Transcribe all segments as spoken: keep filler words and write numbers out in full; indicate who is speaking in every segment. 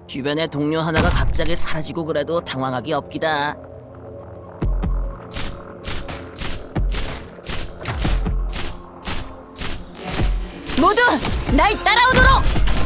Speaker 1: 주변에 동료 하나가 갑자기 사라지고 그래도 당황하기 없기다.
Speaker 2: 모두 날 따라오도록!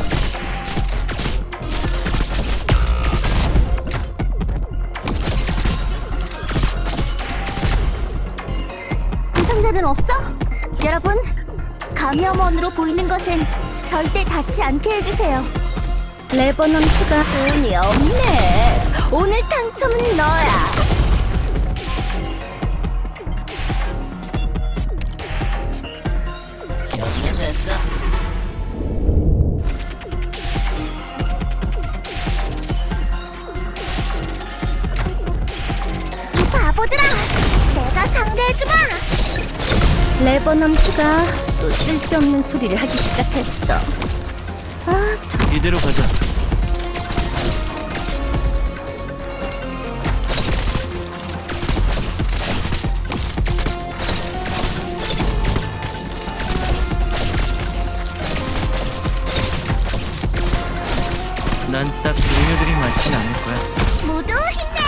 Speaker 3: 부상자는 없어? 여러분, 감염원으로 보이는 것은 절대 닿지 않게 해주세요. 레버넌트가 운이 없네. 오늘 당첨은 너야.
Speaker 1: 여기면 됐어.
Speaker 3: 이 바보들아! 내가 상대해주마! 레버넌트가 또 쓸데없는 소리를 하기 시작했어. 아, 저
Speaker 4: 이대로 가자. 난 딱 동료들이 맞진 않을 거야.
Speaker 3: 모두 힘내!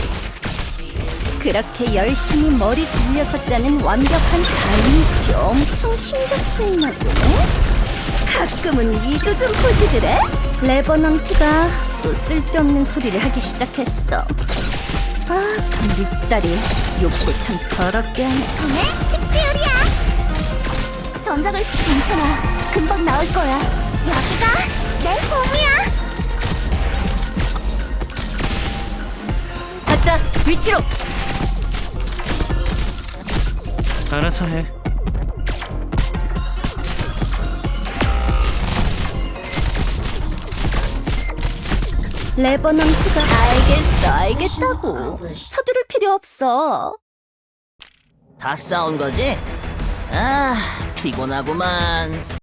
Speaker 2: 그렇게 열심히 머리 굴려서 짜는 완벽한 타이밍치 엄청 신경 쓰이나 보네? 가끔은 위도 좀 포지드래? 레버넌트가 또 쓸데없는 소리를 하기 시작했어. 아, 전 립다리 욕도 참 더럽게 하네.
Speaker 3: 네? 특지율이야! 전작의식 괜찮아. 금방 나올 거야. 여기가 내 홈이야!
Speaker 2: 가자, 위치로!
Speaker 4: 알아서 해.
Speaker 2: 레버넌트가 알겠어, 알겠다고. 서두를 필요 없어.
Speaker 1: 다 싸운 거지? 아, 피곤하구만.